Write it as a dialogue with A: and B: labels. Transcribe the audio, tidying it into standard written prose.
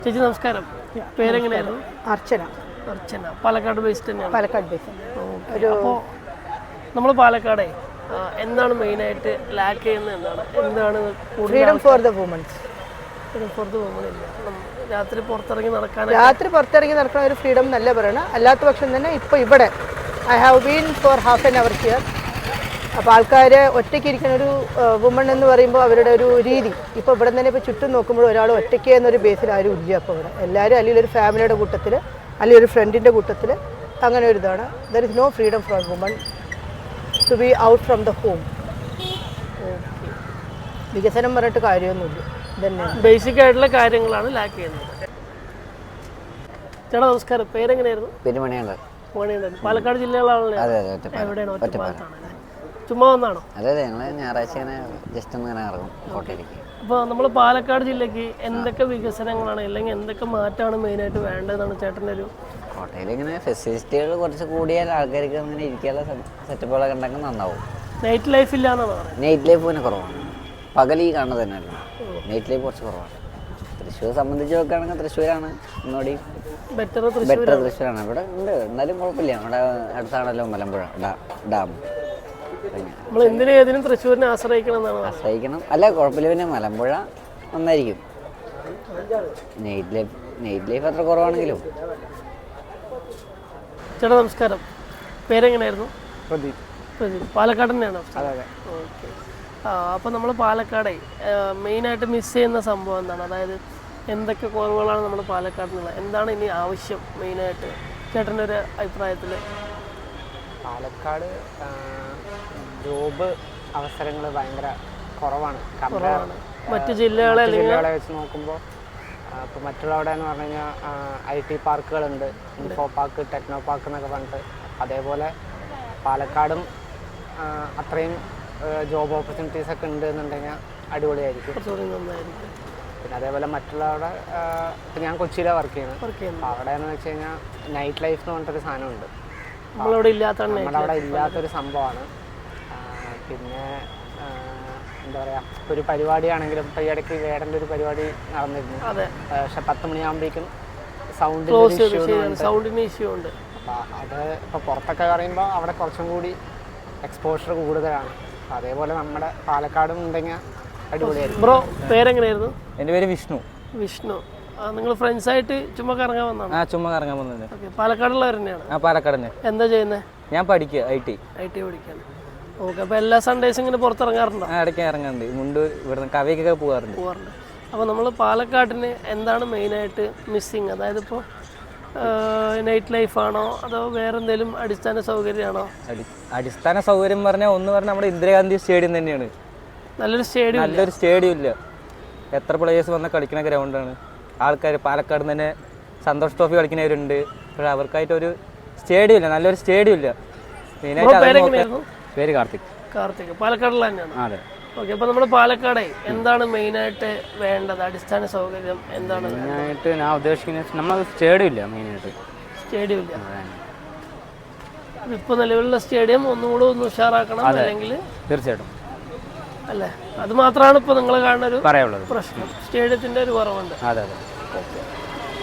A: ചേച്ചി നമസ്കാരം. പേരെങ്ങനെയായിരുന്നു?
B: അർച്ചന.
A: അർച്ചന. പാലക്കാട് ബേസ്ഡ് തന്നെയാണ്?
B: പാലക്കാട് ബേസ്ഡ്.
A: അപ്പോൾ നമ്മൾ പാലക്കാടെ എന്താണ് മെയിനായിട്ട് ലാക്ക് ചെയ്യുന്നത്? എന്താണ്
B: freedom for the womens.
A: Freedom for the woman ഇല്ല. രാത്രി പുറത്തിറങ്ങി
B: നടക്കുന്ന ഒരു ഫ്രീഡം നല്ല പറയണം. അല്ലാത്ത പക്ഷം തന്നെ ഇപ്പോൾ ഇവിടെ I have been for half an hour here. അപ്പോൾ ആൾക്കാർ ഒറ്റയ്ക്ക് ഇരിക്കുന്ന ഒരു വുമൺ എന്ന് പറയുമ്പോൾ അവരുടെ ഒരു രീതി ഇപ്പോൾ ഇവിടെ തന്നെ ഇപ്പോൾ ചുറ്റും നോക്കുമ്പോൾ ഒരാൾ ഒറ്റയ്ക്ക് എന്നൊരു ബേസിൽ ആരും ഇല്ല. അപ്പോൾ ഇവിടെ എല്ലാവരും അല്ലെങ്കിൽ ഒരു ഫാമിലിയുടെ കൂട്ടത്തിൽ അല്ലെങ്കിൽ ഒരു ഫ്രണ്ടിൻ്റെ കൂട്ടത്തിൽ അങ്ങനെ ഒരു ഇതാണ്. There is no freedom for woman to be out from the home. വികസനം പറഞ്ഞിട്ട് കാര്യമൊന്നുമില്ല. ഇതന്നെ
A: ബേസിക് ആയിട്ടുള്ള കാര്യങ്ങളാണ് ലാക്ക് ചെയ്യുന്നത്. ചേട്ടാ നമസ്കാരം. പേരെങ്ങനെയായിരുന്നു?
C: പെരുമണിയാണ്.
A: പാലക്കാട് ജില്ലകളാണല്ലോ. എവിടെയാണ്? ഒറ്റപ്പാലത്താണല്ലേ? ചുമ്മാ വന്നാണോ?
C: അതെ ഞങ്ങൾ ഞായറാഴ്ച ഇങ്ങനെ ജസ്റ്റ് ഒന്ന് ഇങ്ങനെ ഇറങ്ങും കോട്ടയിലേക്ക്.
A: അപ്പോൾ നമ്മൾ പാലക്കാട് ജില്ലയ്ക്ക് എന്തൊക്കെ വികസനങ്ങളാണ് അല്ലെങ്കിൽ എന്തൊക്കെ മാറ്റമാണ് മെയിനായിട്ട് വേണ്ടതെന്നാണ് ചേട്ടൻ്റെ ഒരു?
C: കോട്ടയിൽ ഇങ്ങനെ ഫെസിലിറ്റികൾ കുറച്ച് കൂടിയാൽ ആൾക്കാർക്ക് അങ്ങനെ ഇരിക്കാനുള്ള സെറ്റപ്പുകളൊക്കെ ഉണ്ടെങ്കിൽ നന്നാവും.
A: നൈറ്റ് ലൈഫ് ഇല്ല എന്നാണ് പറയുന്നത്.
C: നൈറ്റ് ലൈഫ് പിന്നെ കുറവാണ്. പകൽ ഈ കാണുന്നത് തന്നെയല്ല, നൈറ്റ് ലൈഫ് കുറച്ച് കുറവാണ്. തൃശ്ശൂർ സംബന്ധിച്ച് നോക്കുകയാണെങ്കിൽ തൃശ്ശൂരാണ് ഒന്നുകൂടി ബെറ്റർ. തൃശ്ശൂരാണ്. ഇവിടെ ഉണ്ട്, എന്നാലും കുഴപ്പമില്ല. ഇവിടെ അടുത്താണല്ലോ മലമ്പുഴ ഡാം.
A: നമ്മൾ എന്തിനും ഏതിനും തൃശ്ശൂരിനെ ആശ്രയിക്കണം.
C: അല്ല കുഴപ്പമില്ല. പിന്നെ മലമ്പുഴ നന്നായിരിക്കും. നൈറ്റ് ലൈഫ് അത്ര കുറവാണെങ്കിലും.
A: ചേട്ടാ നമസ്കാരം. പേരെങ്ങനെയായിരുന്നു?
D: പ്രദീപ്.
A: പാലക്കാട് തന്നെയാണോ?
D: അതെ.
A: ഓക്കെ. അപ്പോൾ നമ്മൾ പാലക്കാടെ മെയിനായിട്ട് മിസ് ചെയ്യുന്ന സംഭവം എന്താണ്? അതായത് എന്തൊക്കെ കുറവുകളാണ് നമ്മൾ പാലക്കാടിനുള്ളത്? എന്താണ് ഇനി ആവശ്യം മെയിനായിട്ട് ചേട്ടൻ്റെ ഒരു അഭിപ്രായത്തിൽ?
D: പാലക്കാട് ജോബ് അവസരങ്ങൾ ഭയങ്കര കുറവാണ്
A: മറ്റു ജില്ലകളെ
D: വെച്ച് നോക്കുമ്പോൾ. ഇപ്പോൾ മറ്റുള്ളവിടെ എന്ന് പറഞ്ഞു കഴിഞ്ഞാൽ IT പാർക്കുകളുണ്ട്, ഇൻഫോ പാർക്ക്, ടെക്നോ പാർക്ക് എന്നൊക്കെ പറഞ്ഞിട്ട്. അതേപോലെ പാലക്കാടും അത്രയും ജോബ് ഓപ്പർച്യൂണിറ്റീസ് ഒക്കെ ഉണ്ട് എന്നുണ്ടെങ്കിൽ അടിപൊളിയായിരിക്കും. പിന്നെ അതേപോലെ മറ്റുള്ളവിടെ ഇപ്പം ഞാൻ കൊച്ചിയിലാണ് വർക്ക് ചെയ്യുന്നത്. അവിടെ എന്ന് വെച്ച് കഴിഞ്ഞാൽ നൈറ്റ് ലൈഫ് എന്ന് പറഞ്ഞിട്ടൊരു സാധനമുണ്ട്. നമ്മുടെ അവിടെ ഇല്ലാത്തൊരു സംഭവമാണ്. പിന്നെ എന്താ പറയുക, ഒരു പരിപാടിയാണെങ്കിലും ഇപ്പോൾ ഈ ഇടയ്ക്ക് വേടൻ്റെ ഒരു പരിപാടി നടന്നിരുന്നു. പക്ഷെ 10 മണിയാകുമ്പോഴേക്കും സൗണ്ടിന് ഇഷ്യൂ ഉണ്ട്. അപ്പോൾ അത് ഇപ്പോൾ പുറത്തൊക്കെ പറയുമ്പോൾ അവിടെ കുറച്ചും കൂടി എക്സ്പോഷർ കൂടുതലാണ്. അതേപോലെ നമ്മുടെ പാലക്കാടും ഉണ്ടെങ്കിൽ അടിപൊളിയായിരിക്കും.
A: ബ്രോ പേരെങ്ങനെയായിരുന്നു?
E: എൻ്റെ പേര് വിഷ്ണു.
A: നിങ്ങൾ ഫ്രണ്ട്സ് ആയിട്ട് ചുമ്മാ കറങ്ങാൻ വന്നതാണ്?
E: ചുമ്മാ കറങ്ങാൻ വന്നത്.
A: പാലക്കാടുള്ളവർ തന്നെയാണ്?
E: പാലക്കാട് തന്നെ.
A: എന്താ ചെയ്യുന്നത്?
E: ഞാൻ പഠിക്കുക, IT
A: പഠിക്കാണ്. ഓക്കെ. അപ്പോൾ എല്ലാ സൺഡേസും ഇങ്ങനെ പുറത്തിറങ്ങാറുണ്ടോ?
E: ഇടയ്ക്ക് ഇറങ്ങാറുണ്ട്. മുണ്ട് ഇവിടുന്ന് കവയ്ക്കൊക്കെ പോകാറുണ്ട്.
A: അപ്പോൾ നമ്മൾ പാലക്കാടിന് എന്താണ് മെയിനായിട്ട് മിസ്സിങ്? അതായത് ഇപ്പോൾ നൈറ്റ് ലൈഫാണോ അതോ വേറെ എന്തെങ്കിലും അടിസ്ഥാന സൗകര്യമാണോ?
E: അടിസ്ഥാന സൗകര്യം പറഞ്ഞാൽ ഒന്ന് പറഞ്ഞാൽ നമ്മുടെ ഇന്ദിരാഗാന്ധി സ്റ്റേഡിയം തന്നെയാണ്.
A: നല്ലൊരു
E: സ്റ്റേഡിയം ഇല്ല. എത്ര പ്ലേയേഴ്സ് വന്നാൽ കളിക്കുന്ന ഗ്രൗണ്ടാണ്. ആൾക്കാർ പാലക്കാട് തന്നെ സന്തോഷ് ട്രോഫി കളിക്കുന്നവരുണ്ട്. പക്ഷേ അവർക്കായിട്ടൊരു സ്റ്റേഡിയം ഇല്ല, നല്ലൊരു സ്റ്റേഡിയം ഇല്ല. മെയിനായിട്ട് പേര് കാർത്തിക്.
A: പാലക്കാടുള്ള തന്നെയാണ്?
E: അതെ.
A: ഓക്കെ. അപ്പോൾ നമ്മുടെ പാലക്കാടെ എന്താണ് മെയിനായിട്ട് വേണ്ടത്? അടിസ്ഥാന സൗകര്യം എന്താണ്
E: മെയിനായിട്ട് ഞാൻ ഉദ്ദേശിക്കുന്നത്? നമ്മൾ സ്റ്റേഡിയം ഇല്ല.
A: സ്റ്റേഡിയം ഇല്ല. ഇപ്പോൾ നിലവിലുള്ള സ്റ്റേഡിയം ഒന്നുകൂടെ ഒന്ന് ഉഷാറാക്കണം. അല്ലെങ്കിൽ
E: തീർച്ചയായിട്ടും
A: അല്ലേ? അത് മാത്രമാണ് ഇപ്പോൾ നിങ്ങൾ കാണുന്ന ഒരു
E: പറയാനുള്ളത്.
A: പ്രശ്നം. സ്റ്റേഡിയത്തിൻ്റെ ഒരു കുറവുണ്ട്.
E: അതെ.
A: ഓക്കെ.